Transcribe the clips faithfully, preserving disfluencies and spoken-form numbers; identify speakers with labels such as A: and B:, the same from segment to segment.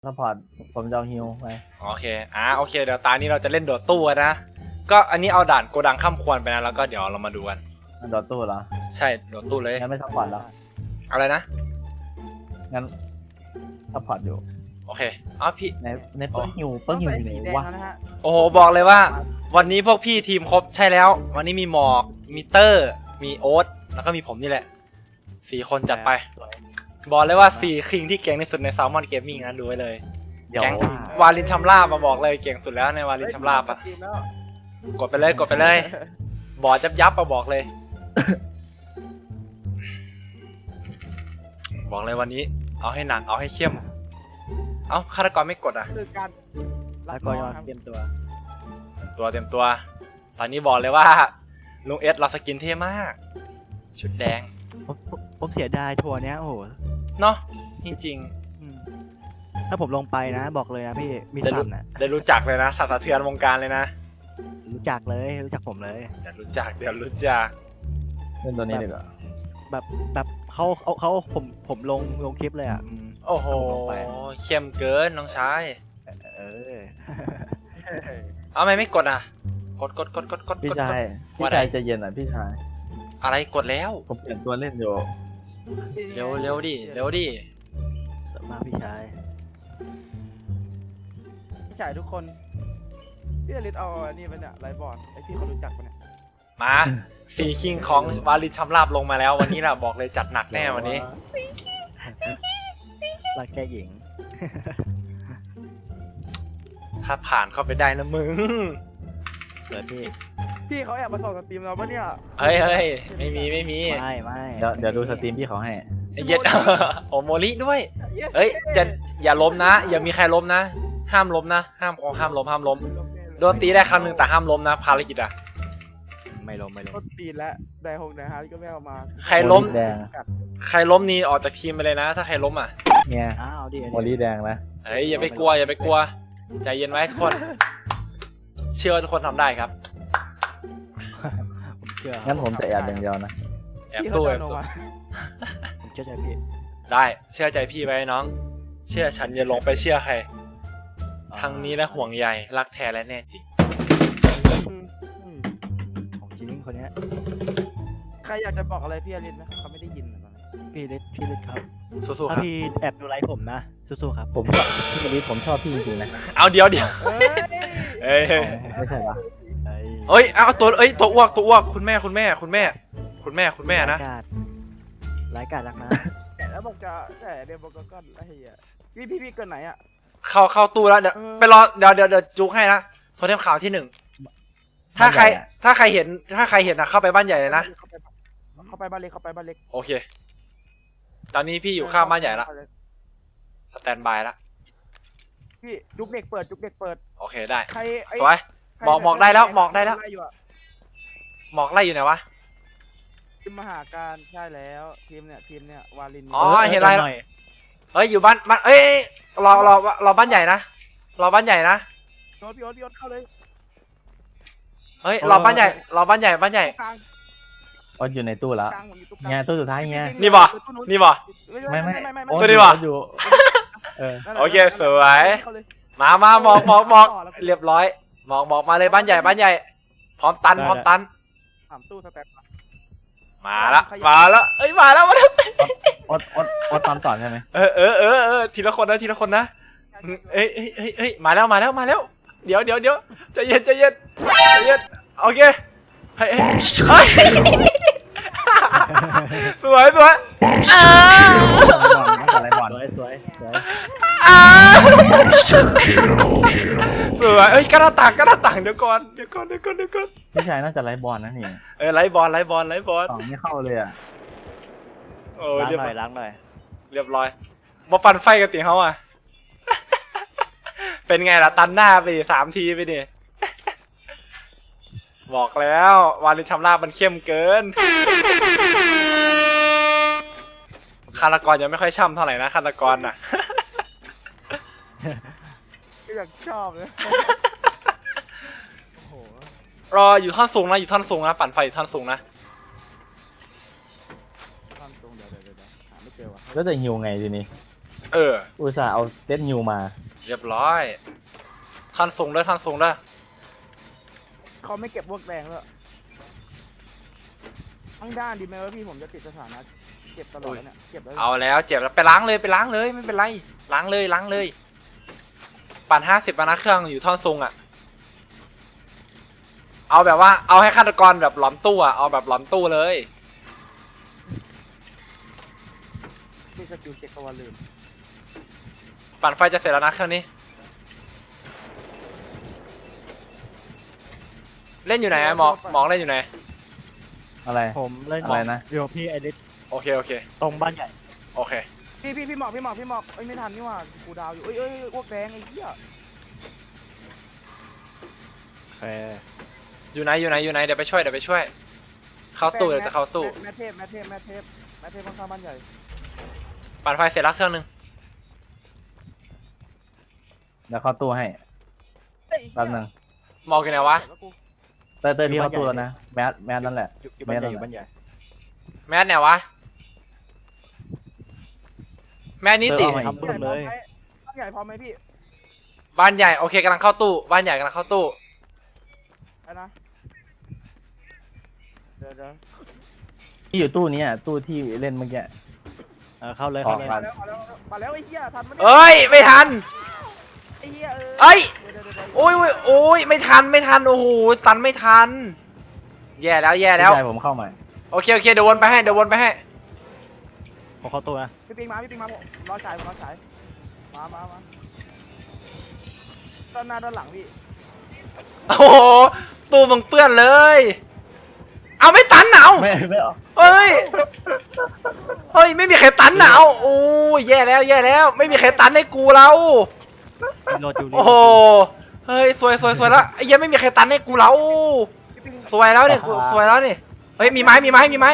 A: ซัพพอร์ตผมจะเอาฮิวไป
B: โอเคอ่าโอเคเดี๋ยวตานี้เราจะเล่นโดดตู้นะก็อันนี้เอาด่านโกดังข้ามควรไปนะแล้วก็เดี๋ยวเรามาดูกัน
A: โดดตู้เหรอ
B: ใช่โดดตู้เลย
A: งั้นไม่ซัพพอร์ตแล้ว
B: อะไรนะ
A: งั้นซัพพอร์ตอยู่
B: โอเคอ้าวพี่
A: ในในเปิ้ลฮิวเปิ้ลฮิวอยู่ไหนวะ
B: โอ้โหบอกเลยว่าวันนี้พวกพี่ทีมครบใช่แล้ววันนี้มีหมอกมีเตอร์มีโอ๊ตแล้วก็มีผมนี่แหละสี่คนจัดไปบอกเลยว่าสี่คิงที่เก่งที่สุดใน Salmon Gaming นะดูไว้เลยแก๊งวาลินชัมลาบมาบอกเลยเก่งสุดแล้วในวาลินชัมลาบอะกดไปเลยกดไปเลยบอดยับยับมาบอกเลย บอกเลยวันนี้เอาให้หนักเอาให้เข้มเอ้าฆาตกรไม่กดอ่ะ
C: คือการ
A: แล้วก็ยอดเตรียมตัว
B: ตัวเตรียมตัวตอนนี้บอกเลยว่าลุงเอสเราสกินเท่มากชุดแดง
D: ผมผมเสียดายทัวร์เนี้ยโอ้โห
B: เนาะจริง
D: ๆถ้าผมลงไปนะบอกเลยนะพี่มีสั่นอ่ะ
B: ได้รู้จักเลยนะสั่นสะเทือนวงการเลยนะ
D: รู้จักเลยรู้จักผมเลย
B: เดี๋ยวรู้จักเดี๋ยวรู้จัก
A: เล่นตัวนี้ดีกว่า
D: แบบแบบเขาเขาเขาผมผมลงลงคลิปเลยอ่ะ
B: โอ้โหเข้มเกินน้องชาย
D: เออ
B: เอาไม่ไม่กดอ่ะกดกดกดกดกด
A: พี่ชายพี่ชายจะเย็นอ่ะพี่ชาย
B: อะไรกดแล้ว
A: ผมเปลี่ยนตัวเล่นอยู่
B: เร็วเร็วดิเร็วดิ
D: มาพี่ชาย
C: พี่ชายทุกคนพี่อลิสเอาอันนี้ไปเนี่ยไลบอร์ดไอพี่เขารู้จักปะเนี่ย
B: มาสี่คิงของวาลินชัมลาบลงมาแล้ววันนี้แหละบอกเลยจัดหนักแน่วันนี้
D: รักแก่หญิง
B: ถ้าผ่านเข้าไปได้นะมึง
D: เกิดพี่
C: พี่เขาแอบมาส่องสตรีมเราปะเนี่ย
B: เฮ้ยเฮ้ยไม่มีไม่มี
D: ไม่ไม่
A: เดี๋ยวเดี๋ยวดูสตรีมพี่เขาให้
B: เย็ดโอโมลิด้วยเฮ้ยจะอย่าล้มนะอย่ามีใครล้มนะห้ามล้มนะห้ามของห้ามล้มห้ามล้มโดนตีได้ครั้งหนึ่งแต่ห้ามล้มนะภารกิจอะ
D: ไม่ล้มไม่ล้ม
C: ก็ตีแล้วได้หกนะฮะก็ไม่เอามา
B: ใครล้มใครล้มนี่ออกจากทีมไปเลยนะถ้าใครล้มอ่ะ
A: เนี่ย
D: อ้าวดิ
A: โมลี่แดงนะ
B: เฮ้ยอย่าไปกลัวอย่าไปกลัวใจเย็นไว้ทุกคนเชื่อทุกคนทำได้ครับ
A: งั้นผมจะแอบอย่างเดียวนะ
B: แอบตู้แอบตู้
D: ผมเชื่อใจพี่
B: ได้เชื่อใจพี่ไว้น้องเชื่อฉันอย่าลงไปเชื่อใครทางนี้และห่วงใยรักแท้และแน่จริง
D: ของจริงคนนี้
C: ใครอยากจะบอกอะไรพี่อลิสไหมเขาไม่ได้ยิน
D: พี่ลิสพี่ลิสครับ
B: สู้ๆครับ
D: ถ้าพี่แอบดูไลฟ์ผมนะสู้ๆครับ
A: ผมพี่ลิสผมชอบพี่จริงๆนะ
B: เอาเดี๋ยวเดี๋ยวเอ้ย
A: ไม่ใช่ปะ
B: เอ้ยเอาตัวเอ้ยตัวอ้วกตัวอ้วกคุณแม่คุณแม่คุณแม่คุณแม่คุณแม่นะ
D: รายการรักนะ
C: แล้วบอกจะแต่เดี๋ยวบอกก็ไอ้เหี้ยพี่พี่พี่เกินไหนอ่ะ
B: เข้าเข้าตู้แล้วเดี๋ยวไปรอเดี๋ยวเดี๋ยวเดี๋ยวจุกให้นะโทรเทมข่าวที่หนึ่งถ้าใครถ้าใครเห็นถ้าใครเห็นนะเข้าไปบ้านใหญ่เลยนะ
C: เข้าไปบ้านเล็กเข้าไปบ้านเล็ก
B: โอเคตอนนี้พี่อยู่ข้างบ้านใหญ่ละสแตนบายละ
C: พี่จุกเด็กเปิดจุกเด็กเปิด
B: โอเคได้
C: ใคร
B: สวยหมอกหมอกได้แล้วหมอกได้แล้วหมอกไล่อยู่ไหนวะ
C: ทีมมหาการใช่แล้วทีมเนี่ยทีมเนี่ยวาลิน
B: อ๋อเห็นอะไรเฮ้ยอยู่บ้านบ้านเอ้ยรอรอรอบ้านใหญ่นะรอบ้านใหญ่นะ
C: โยนพี่โยนพี่โยนเข้าเลย
B: เฮ้ยรอบ้านใหญ่รอบ้านใหญ่บ้านใหญ่
A: อ๋ออยู่ในตู้แล้วเงี้ยตู้สุดท้ายเงี้ย
B: นี่บ่นี่บ่
A: ไม่ไม่
B: ตัวนี้บ่โอเคสวยมามาหมอกหมอกหมอกเรียบร้อยหมอกหมอกมาเลยบ้านใหญ่บ้านใหญ่พร้อมตันพร้อมตัน
C: สามตู้สแตน
B: มาละมาละเอ้ยมาแล้วมาแล้ว
A: อดอดอดตามต่อใช่ไหม
B: เออเออเออเออทีละคนนะทีละคนนะเอ้ยเอ้ยเอ้ยเอ้ยมาแล้วมาแล้วมาแล้วเดี๋ยวเดี๋ยวเดี๋ยวใจเย็นใจเย็นใจเย็นโอเคเฮ้ยเฮ้ยสวยสวยอ่า
A: อะไรบอลสวยสวย
B: อ่าสวยเอ้ยกระต่างกระต่างเดี๋ยวก่อนเดี๋ยวก่อนเดี๋ยวก่อนเดี๋ยวก่อน
A: พี่ชายน่าจะไล่บอลนะนี่
B: เออไล่บอลไล่บอลไล่บอล
A: ต่อไม่เข้าเลยอ่ะ
B: โอ้
D: ล้างหน่อยล้างหน่อย
B: เรียบร้อยมาปั่นไฟกันตีเขาอ่ะเป็นไงล่ะตันหน้าไปสามทีไปดิบอกแล้ววาลินชัมลาบมันเข้มเกินฆาตกรยังไม่ค่อยช่ำเท่าไหร่นะฆาตกรน่ะ
C: ก็อยากชอบเลย
B: รออยู่ท่อนสูงนะอยู่ท่อนสูงนะปั่นไฟอยู่ท่อนสูงนะ
C: ท่อนสูงเดี๋ยวเดี๋ยวเดี๋ยวหาไม่เจอว่ะ
A: แล้วจะหิวไงทีนี้
B: เออ
A: อุตส่าห์เอาเซตนิวมา
B: เรียบร้อยท่านส่งด้วยท่านส่งด้วย
C: เขาไม่เก็บพวกแดงเลยทั้งด้านดีไหมวะพี่ผมจะติดสถานะเก็บตลอดเนี่ยเก็บแล้ว
B: เอาแล้วเจ็บแล้วไปล้างเลยไปล้างเลยไม่เป็นไรล้างเลยล้างเลย ปั่นห้าสิบนะเครื่องอยู่ท่อนซุงอ่ะเอาแบบว่าเอาให้ฆาตกรแบบหลอมตู้อ่ะเอาแบบหลอมตู้เลย
C: ที่สกิลเก็บตัวลืม
B: ปั่นไฟจะเสร็จแล้วนะเครื่องนี้เล่นอยู่ไหนอะหมอกหมอกเล่นอยู่ไหน
A: อะไร
D: ผมเล่น
A: อะไรนะ
D: เดี๋ยวพี่ไอริส
B: โอเคโอเค
D: ตรงบ้านใหญ่
B: โอเค
C: พี่พี่พี่หมอกพี่หมอกพี่หมอกเอ้ยไม่ทันนี่หว่ากูดาวอยู่เอ้ยเอ้ยพวกแดงไอ้เหี้ย
D: โอเค
B: อยู่ไหนอยู่ไหนอยู่ไหนเดี๋ยวไปช่วยเดี๋ยวไปช่วย เข้าตู้เดี๋ยวจะเข้าตู้
C: แม่เทพแม่เทพแม่เทพแม่เทพข้างๆบ้านใหญ่
B: ปั่นไฟเสร็จแล้วเครื่องนึง
A: เดี๋ยวเข้าตู้ให้แป๊บนึง
B: หมอกอยู่ไหนวะ
A: เต้ยเต้ยพี่เข้าตู้แล้วนะแมสแมสนั่นแหละ
D: อยู่อยู่บ้านใหญ่
A: ไม่
D: อ
A: ต้อง
D: ยู่บ้านใหญ่
B: แมสไหนวะแมสนี้ติ
A: เออเอามา
D: ทำบึ้มเลย
C: บ้านใหญ่พร้อมไหมพี่
B: บ้านใหญ่โอเคกำลังเข้าตู้บ้านใหญ่กำลังเข้าตู้
C: ไปนะเดี๋ยวเดี๋ยว
A: ที่อยู่ตู้นี้อ่ะตู้ที่เล่นเมื่อกี้
D: เออเข้าเลยเข้าเลย
A: ออก
C: มาแล้วมาแล้วมาแล้วไอ้เหี้ยทันไหมเนี่ย
B: เอ้ยไม่ทัน
C: ไอ้เหี้ยเออ
B: เอ้ย
C: เดี๋ยวเดี๋ยวเดี๋ยว
B: โอ้ยโอ้ยโอ้ยไม่ทันไม่ทันโอ้โหตันไม่ทัน แย่แล้วแย่แล้ว
A: พี่ชายผมเข้ามา
B: โอเคโอเคเดี๋ยววนไปให้เดี๋ยววนไปให้
D: ผมเข้าตัวนะ
C: พี่ปิงมาพี่ปิงมาผมรอฉายผมรอฉายมามามาด้านหน้าด้านหลังพี่
B: โอ้โหตู้มึงเปื้อนเลย เอาไม่ตันหนาว
A: ไม่ไม่ออก
B: เฮ้ยเฮ้ยไม่มีใครตันหนาวโอ้ยแย่แล้วแย่แล้ว ไม่มีใครตันให้กูเรา
D: รีโหลดอยู่รี
B: โอ้
D: โหล
B: โห
D: ดอยู่
B: เฮ้ยสวยสวยสวยแล้วไอ้เหี้ยังไม่มีใครตันให้กูเรา
C: พี่ปิง
B: สวยแล้วเนี่ยกูสวยแล้วนี่เฮ้ยมีไม้มีไม้มีไม้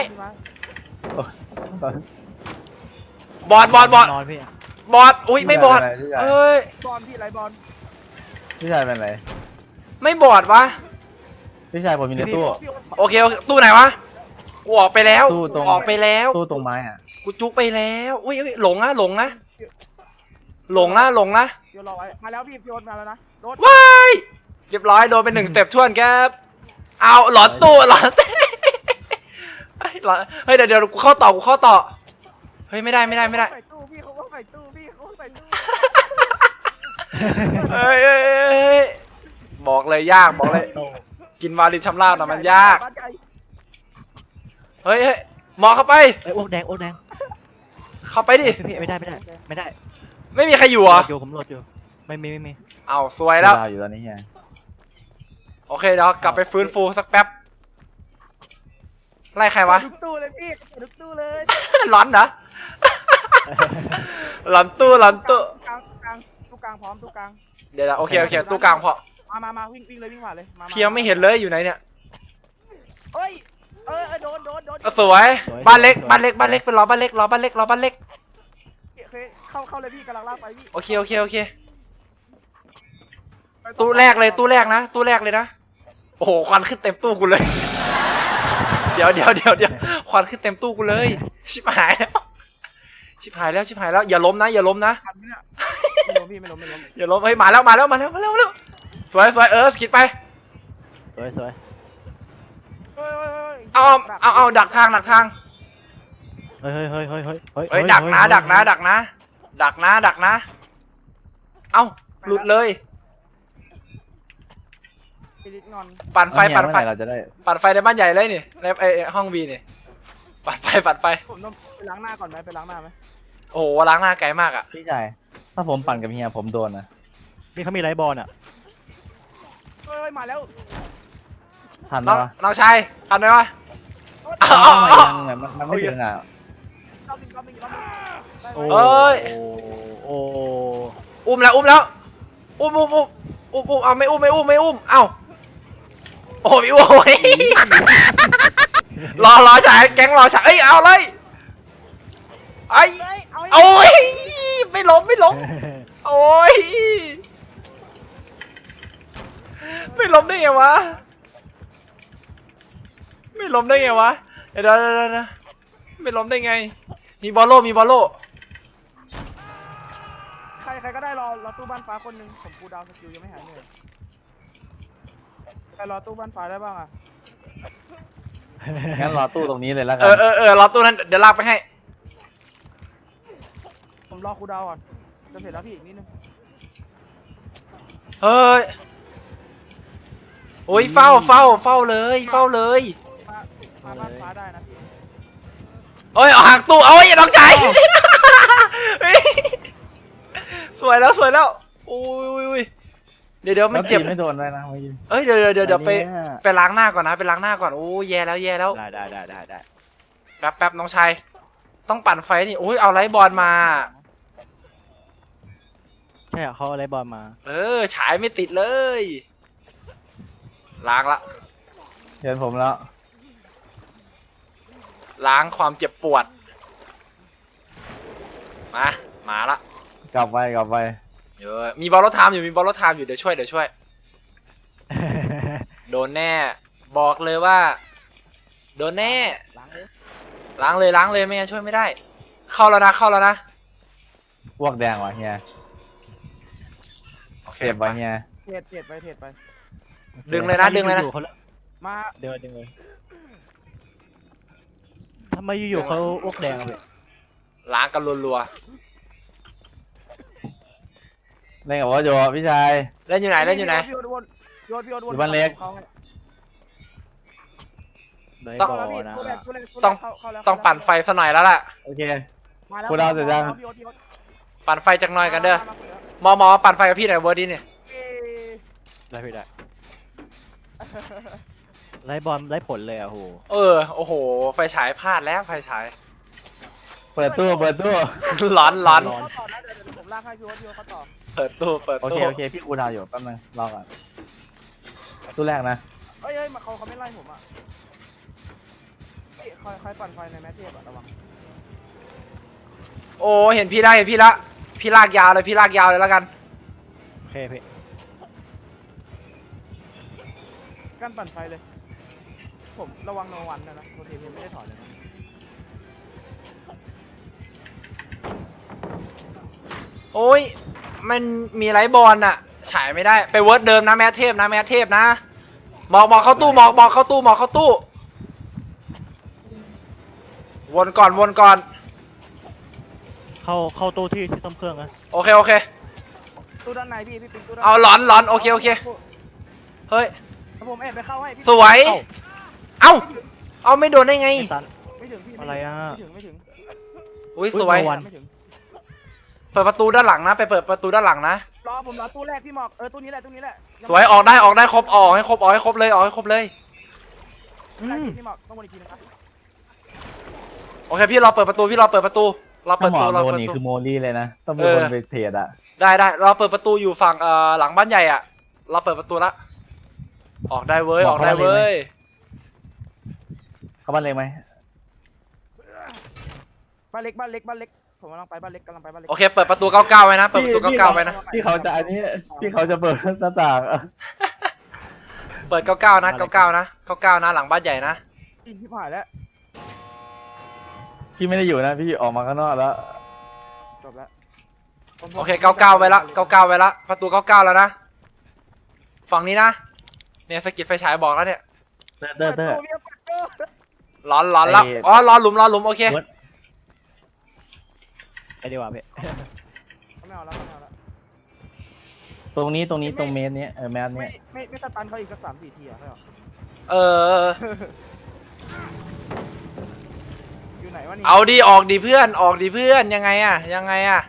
B: บอดบอดบอด
D: นอนพี่
B: บอดอุ้ยไม่บอด
A: พี่ชาย
B: เอ้ย
C: บอลพี่ไรบอล
A: พี่ชายเป็นไร
B: ไม่บอดวะ
A: พี่ชายผมอยู่ในตู้
C: พี่
B: โอเคโอเคตู้ไหนวะกูออกไปแล้ว
A: ตู้ตรง
B: ออกไปแล้ว
A: ตู้ตรงไม้อ่ะ
B: กูจุกไปแล้วอุ้ยอุ้ยหลงนะหลงนะหลงนะหลงนะ
C: เดี๋ยวรอไว้มาแล้วพี่พี่โอ๊ตมาแล้วนะโดน
B: ว้ายเรียบร้อยโดนไปหนึ่งสเต็ปท่วนครับเอาหลอนตู้หลอนเฮ้ยหลอนเฮ้ยเดี๋ยวเดี๋ยวกูเข้าต่อกูเข้าต่อเฮ้ยไม่ได้ไม่ได้ไม่ได้
C: ใส่ตู้พี่เขาก็ใส่ตู้พี่เขาก็ใส่ตู้
B: เฮ้ยเฮ้ยเฮ้ยเฮ้ยบอกเลยยากบอกเลย กินวาลินชำราบนะมันยาก
C: บ้นใหญ่
B: เฮ้ยเฮ้ยหมอเข้าไป
D: เอ้ยโอ๊กแดงโอ๊กแดง
B: เข้าไปดิ
D: พี่ไม่ได้ไม่ได้ไม่ได้
B: ไม่มีใครอยู่เหรอ
D: โหลดอยู่ผมโหลดอยู่ไม่มีไม่มี
B: เอาซวยแล้ว
A: ดาวอยู่ตอนนี้ไง
B: โอเคเดี๋ยวกลับไปฟื้นฟูสักแป๊บไล่ใครวะ
C: ทุกตู้เลยพี่ทุกตู้เลย
B: หลอนเหรอหลอนตู้หลอนตู้
C: กลางกลางตู้กลางพร้อมตู้กลาง
B: เดี๋ยวนะโอเคโอเคตู้กลางพอ
C: มามามาวิ่งวิ่งเลยวิ่งผ่านเลยมาา
B: เพียงไม่เห็นเลยอยู่ไหนเนี่ย
C: เอ้ยเออเออโดนโดนโดน
B: เอาสวยบ้านเล็กบ้านเล็กบ้านเล็กเป็นรอบ้านเล็กรอบ้านเล็กรอบ้านเล็ก
C: เคยเข้าเข้าเลยพี่กำลังลากไปพี่
B: โอเคโอเคโอเคตู้แรกเลยตู้แรกนะตู้แรกเลยนะโอ้โหควันขึ้นเต็มตู้กูเลย เดี๋ยวเดี๋ยวเดี๋ยวเดี๋ยวควันขึ้นเต็มตู้กูเลย ชิบหายแล้วชิบหายแล้วชิบหายแล้วอย่าล้มนะอย่าล้มนะ
C: ทันไหมเนี่ยไม่ล้มพี่ไม่ล้มไม่ล้ม
B: อย่าล้มเฮ้ยมาแล้วมาแล้วมาแล้วมาแล้วมาแล้วสวยสวยเออคิดไป
D: สวยสวย
C: เฮ้ยเฮ้ยเฮ้ย
B: เอาเอาเอาดักทางดักทาง
D: เฮ้ยเฮ้ยเฮ้ยเฮ้ยเฮ้ย
B: เฮ้ยดักนะดักนะดักนะดักนะดักนะเอ้าหลุดเลย
C: พี่ลิศงอน
B: ปั่นไฟปั่นไฟ
A: เมื่อหร่เราจะได้
B: ปั่นไฟในบ้านใหญ่เลยนี่ในไอห้องวีนี่ปั่นไฟปั่นไฟ
C: ผมต้องไปล้างหน้าก่อนไหมไปล้างหน้าไหม
B: โอ้โหล้างหน้าไกลมากอ่ะ
A: พี่ชายถ้าผมปั่นกับเฮียผมโดนนะ
D: นี่เขามีไรบอลอ่ะ
C: เฮ้ยมาแล้ว
A: ทันไหม
B: น้อง
A: วะ
B: น้องชายทันไหมวะ
A: เอา
B: เอา
A: มา
B: เอา
A: ยังไงมันมันไม่ถึงอ่ะ
C: รอบหนึงรอบหนึงรอบหนึงได้
D: โอ้
C: ไหม
B: เอ้ย
D: โอ้
B: อุ้มแล้วอุ้มแล้วอุ้มอุ้มอุ้มอุ้มอุ้มเอาไม่อุ้มไม่อุ้มไม่อุ้มเอ้าโอ้ยโอ้ยรอรอฉายแก๊งรอฉายเอ้ยเอาเลยไอ้
C: เฮ้ยเอา
B: โอ้ยไม่ล้มไม่ล้มโอ้ยไม่ล้มได้ไงวะไม่ล้มได้ไงวะเดี๋ยวเดี๋ยวเดี๋ยวเดี๋ยวไม่ล้มได้ไงมีบอลโลมีบอลโล
C: ใครก็ได้รอรอตู้บ้านฟ้าคนหนึ่งผมกูดาวสกิลยังไม่หายเหนื่อยใครรอตู้บ้านฟ้าได้บ้างอ่ะ
A: งั้นรอตู้ตรงนี้เลยแล้วกั
B: เออเออเออรอตู้นั้นเดี๋ยวลากไปให้
C: ผมรอกูดาวก่อนจะเสร็จแล้วพี่อีกนิดนึง
B: เฮ้ยโอ้ยเฝ้าเฝ้าเฝ้าเลยเฝ้าเลย
C: มามาบ้านฟ้าได้นะพี่
B: เอ้ยเอาหักตู้เอาไอ้น้องชายเฮ้ยสวยแล้วสวยแล้วโอ้ยโอ้ยเดี๋ยวเดี๋ยวมันเจ็บ
A: แล้วตีไม่โดนเลยนะเมื่อกี้
B: เอ้ยเดี๋ยวเดี๋ยวเดี๋ยวเดี๋ยวไป
A: อันเนี้ย
B: ไปล้างหน้าก่อนนะไปล้างหน้าก่อนโอ้ยแย่แล้วแย่แล้ว
D: ได้ได้ได้ได้ได้
B: แป๊บแป๊บน้องชายต้องปั่นไฟนี่โอ้ยเอาไลท์บอลมา
D: ใช่เหรอเขาเอาอะไรบอลมา
B: เออฉายไม่ติดเลยล้างละ
A: เชิญผมแล้ว
B: ล้างความเจ็บปวดมามาละ
A: กลับไปกลับไป
B: เดี๋ยวมีบอลรถไทม์อยู่มีบอลรถไทม์อยู่เดี๋ยวช่วยเดี๋ยวช่วยโดนแน่บอกเลยว่าโดนแน่
C: ล้างเลย
B: ล้างเลยล้างเลยไม่งั้นช่วยไม่ได้ เข้าแล้วนะเข้าแล้วนะ
A: พวกแดงวะเฮีย
B: โอเค
A: เจ็บวะเฮีย
C: เทรดเทรดไปเทรดไป
B: ดึงเลยนะดึงเลยนะ
D: อยู่ๆเขา
C: มา
D: เดินดึงเลยทำไมอยู่ๆเขาอ้วกแดงอะพี่
B: ล้างกันรัว
A: เล่นกับว่าโยพี่ชาย
B: ๆเล่นอยู่ไหนเล่นอยู่ไหน
C: พี่โยนวนโยนพี่โยนวน
A: อยู่บ้านเล็ก
C: ข้าให้
D: ได้
B: ต้อง
D: บอ
C: เข้า
D: ล
C: แล้วพี่
D: นะ
C: ตู้แรกตู้แรกตู้แรก
B: ต้อง
C: เข้าเข้าแล้ว
B: ต้องปั่นไฟซะหน่อยแล้วล่ะ
A: โอเค
C: มาแล้ว
A: กูดาวเสร็จยัง
C: พี่โยนพี่โยน
B: ปั่นไฟจักหน่อยกันเด้อ
C: มามามา
B: หมอหมอปั่นไฟกับพี่หน่อยเวอร์ดี้เนี่ย
C: เอ้ย
D: ได้พี่ได้ไล่บอลไล่ผลเลยอ่ะโห
B: เออโอ้โหไฟฉายพลาดแล้วไฟฉาย
A: เปิดตู้เปิดตู้
B: ร้อนร้อน
C: เข้าต่อนะเดี๋ยวเดี๋ยวผมลากให้พี่โยนพี่โยนเข้าต่อ
B: เปิดตู้เปิด
A: โอเค
B: ตู้
A: โอเคพี่กูดาวอยู่แป๊บนึงรอก่อนตู้แรกนะ
C: เอ้ยเอ้ยมาเขาเขาไม่ไล่ผมอ่ะพี่คอยคอยปั่นไฟในแมทเทปอะระวัง
B: โอ้เห็นพี่ได้เห็นพี่ละพี่ลากยาวเลยพี่ลากยาวเลยแล้วกัน
D: โอเคพี่
C: กั้นปั่นไฟเลย ผมระวังโนวันนะนะโรเทมไม่ได้ถอนเลยนะ
B: โอ้ยมันมีไลท์บอลอะฉายไม่ได้ไปเวิร์ดเดิมนะแมทเทพนะแมทเทพนะหมอกหมอกเข้าตู้หมอกหมอกเข้าตู้หมอกเข้าตู้วนก่อนวนก่อน
D: เข้าเข้าตู้ที่ที่ต้มเครื่องนะ
B: โอเคโอเค
C: ตู้ด้านในพี่พี่ปิ๊กตู้ด้าน
B: เอาหลอนหลอนโอเคโอเคเฮ้ย
C: แล้วผมแอบไปเข้าให้พี่
B: สวยเอ้าเอาไม่โดนได้ไง
D: ไม่ตัน
C: ไม่ถึงพี่
D: อะไรอะ
C: ไม่ถึงไม่ถึง
B: อุ้ย
D: อุ๊ย
B: สวย
D: โนวัน
C: ไม่ถึง
B: เปิดประตูด้านหลังนะไปเปิดประตูด้านหลังนะ
C: รอผมรอตู้แรกพี่หมอกเออตู้นี้แหละตู้นี้แหละ
B: สวยออกได้ออกได้ครบออกให้ครบออกให้ครบเลยออกให้ครบเลย
D: อื
C: ได้
D: ม
C: พี่หมอกต้องวนอีกทีนะครับ
B: โอเคพี่รอเปิดประตูพี่รอเปิดประตูรอ
A: ถ้า
B: เปิด
A: หม
B: ประ
A: อ
B: ตูรอ
A: โดน
B: เปิดป
A: นี่
B: ระตู
A: คือโมลี่เลยนะ ต้องมี
B: เออ
A: คนไปเทรดอ่ะ
B: ได้ได้เราเปิดประตูอยู่ฝั่งเอ่อหลังบ้านใหญ่อะเราเปิดประตูละออกได้เว้ยออกได้เว้ย
A: เข้าบ้านเล็กไหม
C: บ้านเล็กบ้านเล็กบ้านเล็กผมกำลังไปบ้านเล็กกำลังไปบ้านเล็ก
B: โอเคเปิดประตูเก้าเก้าไว้นะเปิดประตูเก้าเก้าไว้นะ
A: พี่เขาจะอันนี้พี่เขาจะเปิดหน้าต่างอะ
B: เปิดเก้าเก้านะเก้าเก้านะเก้าเก้านะหลังบ้านใหญ่นะ
C: อินที่ผ่านแล้ว
A: พี่ไม่ได้อยู่นะพี่ออกมาข้างนอกแล้ว
C: จบแล้วผม
B: โอเคเก้าเก้าไว้ละเก้าเก้าไว้ละประตูเก้าเก้าแล้วนะฝั่งนี้นะเนี่ยสกิดไฟฉายบอกแล้วเนี่ย
A: เตอร์เตอร์เตอร์
C: ปิดตู้พี่เปิดตู้
B: ร้อนร้อนแล้ว
A: ไอ้
B: อ๋อรอหลุมรอหลุมโอเค
D: ไปดีกว่าพี่
C: ไม่เอาแล้วไม่เอาแล้ว
A: ตรงนี้ตรงนี้ตรงเมตรเนี้ยเออแมส
C: ไม่
A: เนี้ย
C: ไม่ไม่สตันเขาอีกสักสามสี่ทีอะไม่หรอ
B: เออ
C: อยู่ไหนวะนี่
B: เอาดีออกดีเพื่อนออกดีเพื่อนยังไงอะยังไงอะ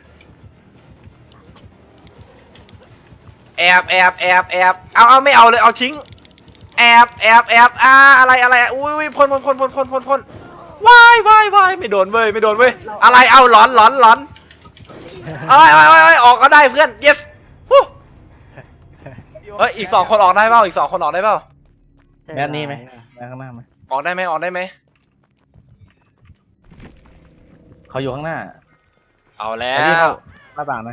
B: แอบแอบแอบแอบเอาเอาไม่เอาเลยเอาทิ้งแอบแอบแอบอ่าอะไรอะไรอุ้ยอุ้ยพ่นพ่นพ่นพ่นพ่นพ่นพ่นว้ายว้ายว้ายไม่โดนเว้ยไม่โดนเว้ยอะไรเอาหลอนหลอนหลอนเอ้ยเอ้ยเอ้ยเอ้ยออกก็ได้เพื่อน yes ฮู้เฮ้ยอีกสองคนออกได้เปล่าอีกสองคนออกได้เปล่า
A: แมสนี้ไหมแมสข้างหน้าไหม
B: ออกได้ไหมออกได้ไหม
A: เขาอยู่ข้างหน้า
B: เอาแล้
A: ไอ้พี่
B: ว
A: เข้าหน้าต่างนะ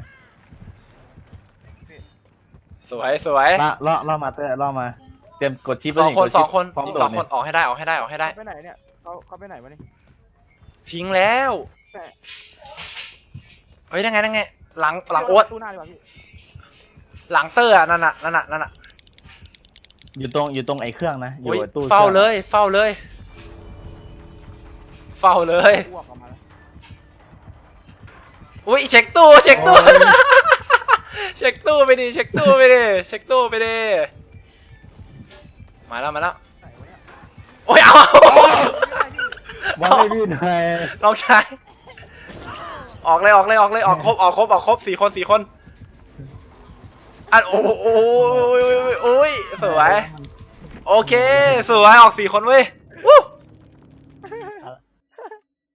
B: สวยสวย
A: ล่อล่อล่อมาเตอร์ล่อมาเตรียมกดชิป
B: สองคน
A: กด
B: ส
A: ชิ
B: อ
A: ป
B: งคน
A: พร้อม
B: อีก
A: โด
B: สอ
A: ด
B: ง
A: เนี่
B: ค
A: ย
B: นออกให้ได้ออกให้ได้ออกให้ได้
C: ไปไหนเนี่ยเขาเขาไปไหนวะนี่
B: ทิ้งแล้ว
C: แต่
B: เฮ้ยนั่งไงนั่งไงหลังหลังโอ๊ต
C: ตู้หน้าดีกว่าพี่
B: หลังเตอร์อะนั่นน่ะนั่นน่ะนั่นน่ะ
A: อยู่ตรงอยู่ตรงไอ้เครื่องนะอยู่
B: อุ้ย
A: ไอ้ตู้
B: เฝ้า
A: ครื่อง
B: เลยเฝ้าเลย เฝ้าเลย
C: อ้วกออกมาแล้ว
B: อุ้ยเช็คตู้เช็คตู้ เช็คตู้ไปดิเช็คตู้ไปดิเช็คตู้ไปดิมาแล้วมาแล้ว
C: ไหนวะเนี่ย
B: โอ้ยเอา
A: ว่าไม่พี่หน่อย
B: น้องชายออกเลยออกเลยออกเลยออกครบออกครบออกครบสี่คนสี่คนอันโอ้โหโอ้ยโอ้ยโอ้ยสวยโอเคสวยออกสี่คนเว้ยวู้